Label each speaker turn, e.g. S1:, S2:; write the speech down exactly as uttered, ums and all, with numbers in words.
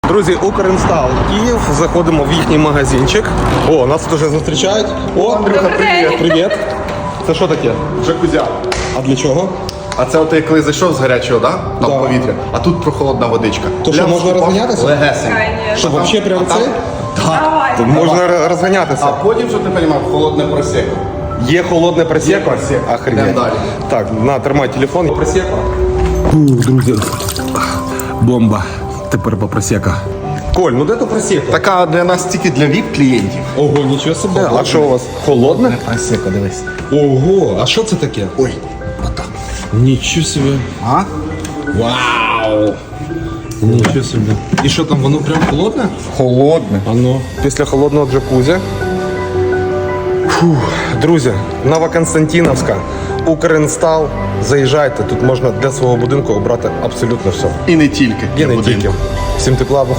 S1: Друзі, Укрінстал Київ. Заходимо в їхній магазинчик. О, нас тут вже зустрічають. О, Андрюха, привіт. Привіт. Це що таке?
S2: Джакузя.
S1: А для чого?
S2: А це от ти коли зайшов з гарячого, да? Там
S1: Да.
S2: повітря, а тут прохолодна водичка.
S1: То що,
S2: Прям
S1: можна
S2: вступав
S1: розганятися?
S2: Легесенько.
S1: Що,
S2: А там-
S1: взагалі прямо
S2: а там-
S1: це?
S2: Так.
S1: Тут можна р- розганятися.
S2: А потім, щоб ти розумів, холодне просеко.
S1: Є холодне просеко?
S2: просеко.
S1: Охренеть.
S2: Йдемо далі.
S1: Так, на, тримай телефон. Просеко. Друзі, бомба. Тепер по просеко. Коль, ну де то просеко?
S2: Така для нас тільки для віп-клієнтів.
S1: Ого, нічого собі. А що у вас? Холодне?
S2: Просеко, дивись.
S1: Ого, а що це таке?
S2: Ой, отак.
S1: Нічого собі.
S2: А?
S1: Вау! Нічого собі. І що там, воно прям холодне?
S2: Холодне.
S1: Ано. Після холодного джакузі. Фух. Друзі, Новоконстантиновська, Укрінстал. Заїжджайте, тут можна для свого будинку обрати абсолютно все.
S2: І не тільки.
S1: І
S2: для
S1: не
S2: будинку.
S1: тільки. Всім тепла.